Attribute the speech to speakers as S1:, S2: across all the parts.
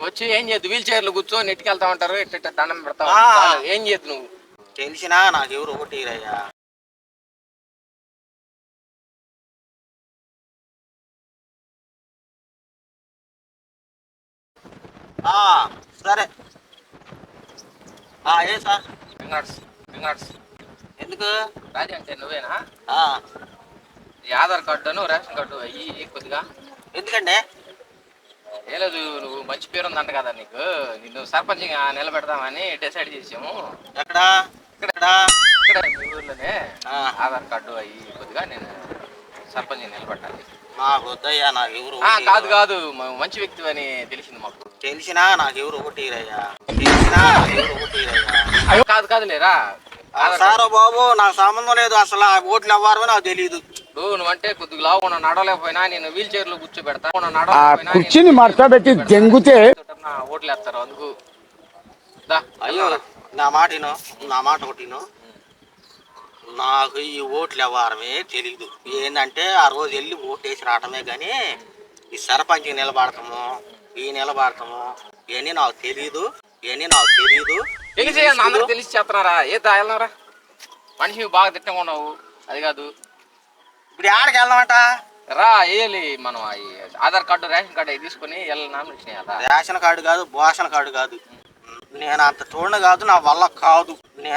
S1: వచ్చి ఏం చేయద్దు, వీల్ చైర్లు కూర్చో నెట్టుకెళ్తా ఉంటారు, ఎట్ట దండం పెడతావు, ఏం చేయద్దు నువ్వు.
S2: తెలిసినా నాకు ఎవరు ఒకటి రయ్యా. సరే ఏ సార్ ఎందుకు
S1: రాజీ అంటే నువ్వేనా? ఈ ఆధార్ కార్డును రేషన్ కార్డు అయ్యి కొద్దిగా
S2: ఎందుకండి?
S1: ఏ లేదు, నువ్వు మంచి పేరు ఉందంట కదా నీకు, నిన్ను సర్పంచ్గా నిలబెడదామని డిసైడ్ చేసాము.
S2: ఎక్కడ?
S1: ఇక్కడ మీ ఊర్లోనే ఆధార్ కార్డు అయ్యి కొద్దిగా నేను సర్పంచ్ నిలబెట్టాలి.
S2: నాకు వద్దయ్యా, నాకు ఎవరు
S1: కాదు మంచి వ్యక్తి అని తెలిసింది మాకు.
S2: తెలిసినా నాకు ఎవరు ఒకటి రయ్యా.
S1: కాదు లేరా
S2: సారో బాబు, నాకు సంబంధం లేదు అసలు. ఓట్లు ఎవ్వరో నాకు తెలియదు.
S1: నువ్వంటే కొద్దిగా లావు నడవలేకపోయినా నేను వీల్ చైర్ లో కూర్చోబెడతా,
S3: కుర్చీని మడతబెట్టి దెంగుతే
S1: ఓట్లు వేస్తారు. అందుకు
S2: అయ్యో నా మాట ఒకటిను, నాకు ఈ ఓట్లు ఇవ్వడమే తెలీదు. ఏంటంటే ఆ రోజు వెళ్ళి ఓటు వేసి రావటమే కానీ ఈ సర్పంచ్ నిలబడతాము ఇవన్నీ నాకు తెలీదు.
S1: తెలిసి చేస్తున్నారా? ఏ తాగలరా మనిషి బాగా తిట్టంగా ఉన్నావు. అది కాదు,
S2: ఇప్పుడు ఆడకి వెళ్దామంట
S1: రా. వేయాలి మనం ఆధార్ కార్డు రేషన్ కార్డు అవి తీసుకుని నామినేషన్ వేయాలి.
S2: రేషన్ కార్డు కాదు, భోషన్ కార్డు కాదు. నేను అంత చూడను కాదు, నా వల్ల కాదు.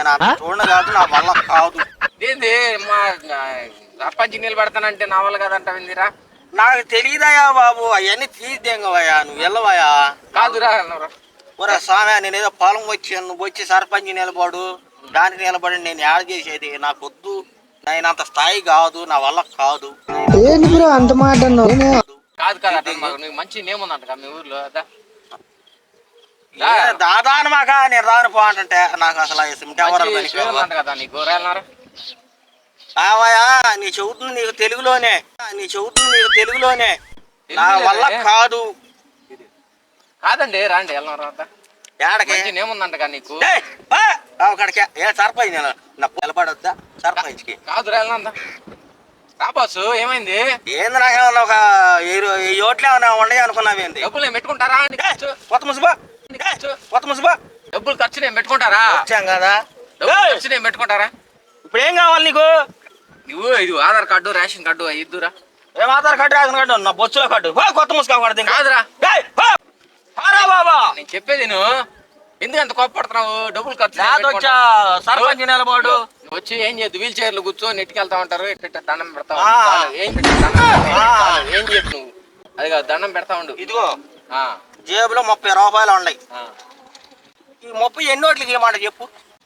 S1: ఏంది మా సర్పంచ్ నిలబెడతానంటే నా వల్ల కాదంట విందిరా?
S2: నాకు తెలియదయా బాబు, అవన్నీ తీద్దేంగవయ్యా, నువ్వు వెళ్ళవయ్యా.
S1: కాదురా
S2: ఒరే స్వామి, నేనేదో పొలం నువ్వు వచ్చి సర్పంచ్ నిలబడు, దానికి నిలబడి నేను యాడ్ చేసేది నాకు వద్దు. నేను అంత స్థాయి కాదు, నా వల్ల కాదు.
S3: అంత మాట
S1: కాదు మంచి నేమ్ ఉందంట మీ ఊర్లో.
S2: దాదాను మాక నేను రాను పో అంటే నాకు అసలు
S1: కదా నీకు గోరాలన్నారా?
S2: నీ చెబుతుంది నీకు తెలుగులోనే, నా వల్ల కాదు.
S1: కాదండి రాండి వెళ్దాం.
S2: ఏడకి
S1: ఏముందంట నీకు?
S2: అక్కడికి సర్పంచ్ నిలబడొద్దా? సర్పంచ్ కి
S1: కాదు వెళ్దా రాబాసు. ఏమైంది?
S2: ఏంది నాకేమన్నా ఒక 20 ఓట్లు ఏమన్నా ఉండయి అనుకున్నావేంది?
S1: డబ్బులు నేను పెట్టుకుంటారా?
S2: కొత్త ముసుబా
S1: డబ్బులు ఖర్చు నేను పెట్టుకుంటారా?
S2: వచ్చాం కదా,
S1: ఖర్చు నేను పెట్టుకుంటారా?
S2: ఇప్పుడు ఏం కావాలి నీకు?
S1: నువ్వు ఇది ఆధార్ కార్డు రేషన్ కార్డు ఇద్దురా.
S2: ఏం ఆధార్ కార్డు రేషన్ కార్డు? నా బొచ్చుల కార్డు. కొత్త ముసుగా పడుతుంది
S1: కాదురా
S2: బాబా.
S1: నేను చెప్పేది నువ్వు ఎందుకు అంత కోపడుతున్నావు? డబ్బులు ఖర్చు
S2: సర్పంచ్ నిలబడు.
S1: వచ్చి ఏం చేయద్దు, వీల్ చైర్లు కూర్చో నెట్టుకెళ్తా ఉంటారు, ఎట్ట దండం పెడతావు. ఏం చేయద్దు నువ్వు. అది కాదు, దండం పెడతా ఉండు.
S2: ఇదిగో జేబులో 30 రూపాయలు ఉన్నాయి. ఈ 30 ఎన్నోట్లకి ఏమాట చెప్పు.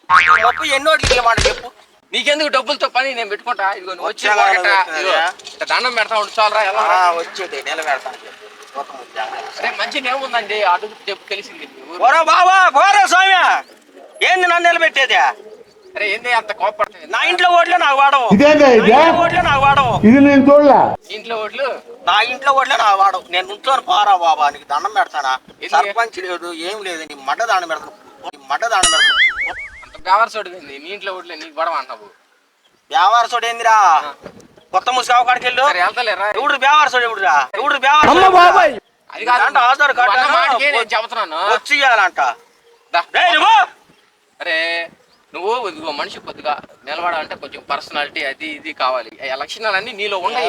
S1: నీకెందుకు డబ్బులతో పని, నేను పెట్టుకుంటా. ఇదిగో నువ్వు వచ్చి దండం పెడతా ఉండు చాలరా.
S2: వచ్చేది నిలబెడతాను.
S1: మంచి నేముందండి, అడుగు చెప్పు తెలిసింది.
S2: స్వామి ఏంది నన్ను నిలబెట్టేది?
S1: అరే ఏంది అంత కోపడుతుంది?
S2: నా ఇంట్లో ఓట్లే నాకు వాడవు.
S1: ఇంట్లో ఓట్లు
S2: నా ఇంట్లో ఓట్లే నాకు వాడవు. నేను నుంచోని పోరా బాబా, నీకు దండం పెడతానా? సర్పంచ్ లేదు, ఏం లేదు, నీ మడ్డ దండం పెడతాను.
S1: అంత వ్యాపారసోడు ఏంది? నీ ఇంట్లో ఓట్లే నీకు పడవ అంటావు.
S2: వ్యాపారసోడు ఏందిరా? కొత్త ముసుగావు కాడికి వెళ్ళు.
S1: వెళ్తలేరా?
S2: ఎవడు వ్యాపారసోడు? ఆధార్ కార్డు
S1: చెబుతున్నాను
S2: వచ్చి ఇయ్యాలంట.
S1: అరే నువ్వు ఇదిగో మనిషి కొద్దిగా నిలబడాలంటే కొంచెం పర్సనాలిటీ అది ఇది కావాలి. లక్షణాలన్నీ నీలో ఉన్నాయి.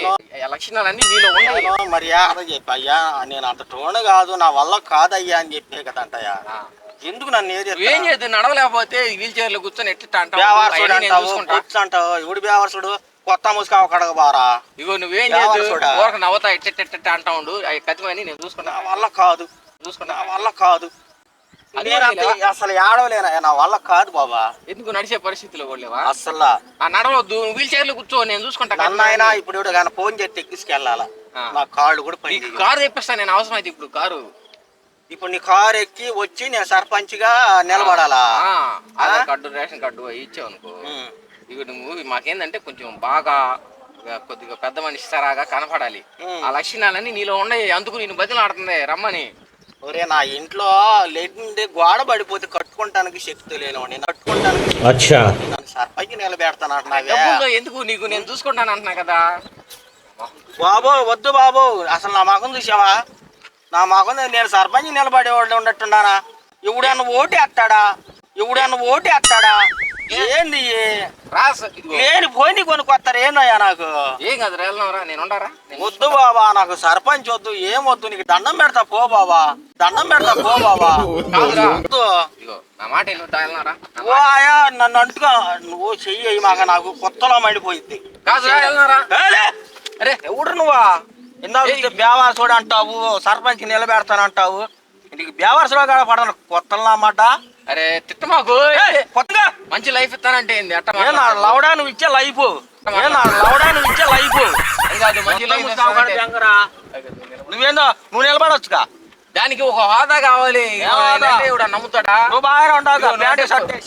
S2: మర్యాద చెప్పయ్యా, నేను అంత టోన్ కాదు, నా వల్ల కాదయ్యా అని చెప్పే కదా అంటయ్యా. ఎందుకు నన్ను
S1: ఏం చేద్దు? నడవలేకపోతే వీల్ చైర్లో కూర్చొని ఎట్ట అంటావు?
S2: ఎవడు వ్యావర్సుడు? కొత్త ముసుకా కడగ బారా.
S1: ఇగో నువ్వేం చేద్దు, నవ్వుతా ఎట్ట అంటా ఉండు. కతిమని నేను చూసుకున్నా.
S2: వల్ల కాదు అసలు ఏడవలేనా, నా వల్ల కాదు బాబా.
S1: ఎందుకు నడిచే పరిస్థితిలో లేవా?
S2: అసలు
S1: నడవద్దు, వీల్ చైర్లో కూర్చో, నేను చూసుకుంటా.
S2: అన్నైనా ఇప్పుడు కానీ ఫోన్ చేసి ఎక్కించుకెళ్ళాలా? నా కాళ్ళు కూడా పని.
S1: కారు తెప్పిస్తాను నేను, అవసరం అయితే.
S2: ఇప్పుడు నీ కారు ఎక్కి వచ్చి నేను సర్పంచ్ గా నిలబడాలా?
S1: ఆధార్ కార్డు రేషన్ కార్డు ఇచ్చావు అనుకో. ఇక నువ్వు మాకేందంటే కొంచెం బాగా కొద్దిగా పెద్ద మనిషి సరాగా కనపడాలి. ఆ లక్షణాలన్నీ నీలో ఉన్నాయి. అందుకు నేను బతిలాడుతుంది రమ్మని.
S2: ఒరే నా ఇంట్లో లేకుంటే గోడ పడిపోతే కట్టుకుంటానికి శక్తి లేను. నేను కట్టుకుంటానికి సర్పంచ్ నిలబెడతాను.
S1: ఎందుకు నీకు నేను చూసుకుంటాను అంటున్నా కదా
S2: బాబు. వద్దు బాబు, అసలు నా మగం చూసావా? నా మగం నేను సర్పంచ్ నిలబడేవాళ్ళు ఉన్నట్టున్నానా? ఎవడన్నా ఓటు ఎత్తాడా? ఏంది లేని పోయి కొనుక్కొస్తారు ఏందయ్యా నాకు?
S1: ఏం కాదు వెళ్దాంరా, నేను ఉండరా?
S2: వద్దు బాబా, నాకు సర్పంచ్ వద్దు, ఏమొద్దు, నీకు దండం పెడతా పో బాబా.
S1: కాదురా,
S2: వద్దు.
S1: ఇదిగో నా మాట వెళ్దాంరా.
S2: ఓ ఆయా నన్ను అంటుగా నువ్వు చెయ్యి మాక నాకు కొత్తలో మండిపోయింది.
S1: కాదురా వెళ్దాంరా.
S2: అరే ఎవడు నువ్వా? ఇందాక బేవారసుడు అంటావు, సర్పంచ్ నిలబెడతానంటావు. నీకు బేవారసులో కాడ పడను కొత్తలు అన్నమాట.
S1: అరే తిట్టమాకు,
S2: కొత్తగా
S1: మంచి లైఫ్ ఇస్తానంటే ఏంది అట్ట
S2: లవడా నువ్వు ఇచ్చే లైఫ్
S1: అది కాదు, మంచి లైఫ్
S2: నువ్వేందో నువ్వు నిలబడొచ్చుగా.
S1: దానికి ఒక హోదా కావాలి. నమ్ముతాడా?
S2: నువ్వు బాగా ఉండవుగా ప్యాంటు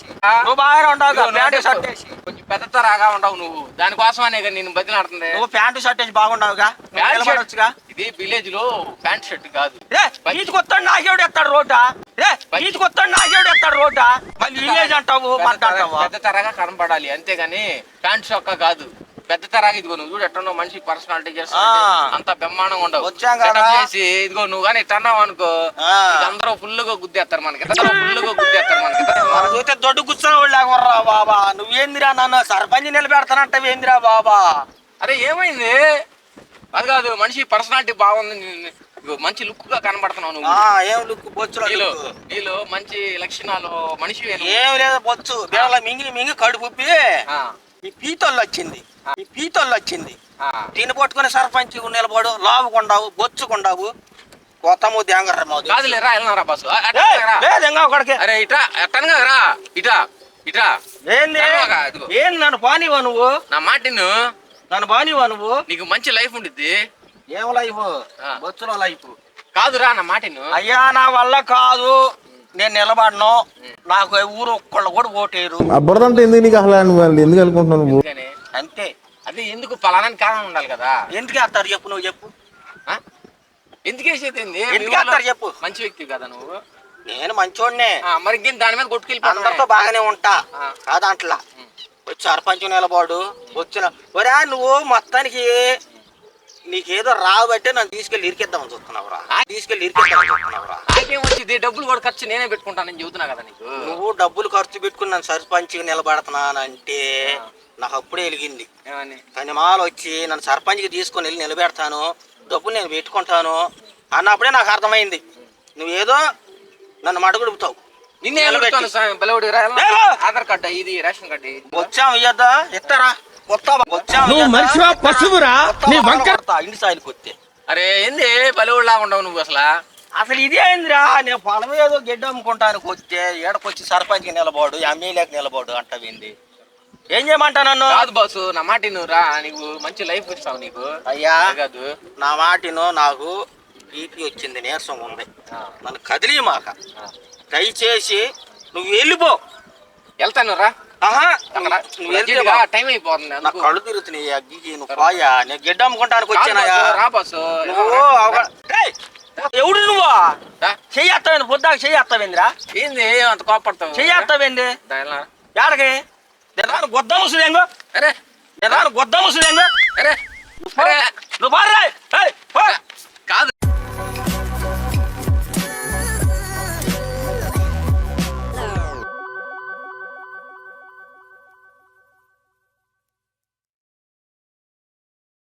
S2: షర్ట్ వేసి
S1: కొంచెం పెద్ద తరాగా ఉండవు నువ్వు. దానికోసమనే నేను బతిలాడుతుంది.
S2: నువ్వు ప్యాంటు షర్ట్ వేసి బాగుండవుగా, నిలబడొచ్చుగా.
S1: ఇది విలేజ్ లో ప్యాంట్ షర్ట్ కాదు.
S2: ఈతకొస్తాడు నాకేవుడు ఎత్తాడు రోడ్డా మళ్ళీ విలేజ్ అంటావు.
S1: పెద్ద తరగా కనపడాలి అంతేగాని ప్యాంట్ షొక్క కాదు. పెద్ద తరాగా ఇదిగో నువ్వు చూడు ఎట్టనో మనిషి పర్సనాలిటీ చేస్తా అంత బ్రహ్మాండంగా ఉండవు. చేసి ఇదిగో నువ్వు కానీ ఇట్టన్నావు అనుకో అందరూ ఫుల్గా గుద్దేస్తారు మనకి.
S2: చూస్తే దొడ్డు కూర్చోరా బాబా. నువ్వేందిరా నన్ను సర్పంచ్ నిలబెడతానంటావేందిరా బాబా?
S1: అరే ఏమైంది? అది కాదు, మనిషి పర్సనాలిటీ బాగుంది, మంచి లుక్ గా కనబడుతున్నావు నువ్వు.
S2: ఏం లుక్? బొచ్చు
S1: నీలో మంచి లక్షణాలు మనిషి
S2: ఏం లేదు. బొచ్చు మింగి కడుపుప్పి ఈ పీతోళ్ళు వచ్చింది తిని పట్టుకుని సర్పంచ్ నిలబడు, లావుకుండావు, బొచ్చుకుండావు, కొత్త ముద్దు ఎంగర్ర
S1: కాదులేరా వెళ్ళరా బస్సు. అరే ఇటా ఎట్టనగా రా, ఇటా
S2: ఏంది నన్ను పానివా నువ్వు?
S1: నా మాటిను,
S2: నన్ను బానివా నువ్వు?
S1: నీకు మంచి లైఫ్ ఉండిద్ది.
S2: ఏం లైఫ్? బొచ్చులో లైఫ్
S1: కాదురా నా మాటిను.
S2: అయ్యా నా వల్ల కాదు, నేను నిలబడను, నాకు ఊరు ఒక్కళ్ళు కూడా ఓటేరు.
S4: అబ్బురదంటే ఎందుకు నీకు అసలు ఎందుకు అనుకుంటున్నావు?
S2: అంతే.
S1: అదే ఎందుకు పలానా కారణం ఉండాలి కదా.
S2: ఎందుకు వేస్తారు చెప్పు? నువ్వు చెప్పు.
S1: ఎందుకు వేసేది?
S2: ఎందుకు వేస్తారు చెప్పు?
S1: మంచి వ్యక్తి కదా నువ్వు.
S2: నేను మంచోడ్నే.
S1: మరి ఇంకేం దాని మీద కొట్టుకెళ్ళి
S2: అందరితో బాగానే ఉంటా కాదంట్లా. వచ్చి సర్పంచ్ నిలబడు వచ్చిన ఒరే నువ్వు మొత్తానికి నీకేదో రాబట్టే నన్ను తీసుకెళ్ళి ఇరికిద్దామని చూస్తున్నావురా.
S1: నాకేం వచ్చింది? డబ్బులు కూడా ఖర్చు నేనే పెట్టుకుంటానని చెబుతున్నా కదా నీకు.
S2: నువ్వు డబ్బులు ఖర్చు పెట్టుకుని నన్ను సర్పంచ్ నిలబెడుతున్నానంటే నాకు అప్పుడే వెలిగింది. కానీ మాలు వచ్చి నన్ను సర్పంచ్కి తీసుకొని వెళ్ళి నిలబెడతాను, డబ్బులు నేను పెట్టుకుంటాను అన్నప్పుడే నాకు అర్థమైంది నువ్వేదో నన్ను మడగొడుపుతావు.
S1: నిన్నే ఆధార్ కార్డు ఇది రేషన్ కార్డు
S2: వచ్చాము ఇయ్యద్దా? ఇస్తారా?
S1: అరే ఏంది పల్లెవుడులా ఉండవు నువ్వు
S2: అసలు ఇదే అయిందిరా. నేను పొలం ఏదో గడ్డి అమ్ముకుంటానికి వస్తే ఏడకొచ్చి సర్పంచ్కి నిలబడు, ఎమ్మెల్యేకి నిలబడు అంటావింది. ఏం చేయమంటా నన్ను?
S1: కాదు బాసు, నా మాట రా, నీకు మంచి లైఫ్ ఇస్తావు. నీకు
S2: అయ్యా
S1: కాదు
S2: నా మాటిను, నాకు బీపీ వచ్చింది, నీరసం ఉంది, నన్ను కదిలి మాక దయచేసి నువ్వు వెళ్ళిపో.
S1: వెళ్తాను రా. టైం అయిపోతుంది,
S2: నా కళ్ళు తిరుగుతున్నాయి. అగ్గికి నువ్వు పోయా, నేను గడ్డి అమ్ముకుంటానికి వచ్చానయా. ఎవడు నువ్వా? చెయ్యేస్తావేంది? పొద్దాక చెయ్యేస్తావేందిరా?
S1: ఏంది అంత కోపడతావు?
S2: చెయ్యేస్తావేంది? ఏడకి గొద్ద ముసులేంగో,
S1: అరే
S2: గొద్ద ముసులేంగో.
S1: అరే
S2: నువ్వు బాగా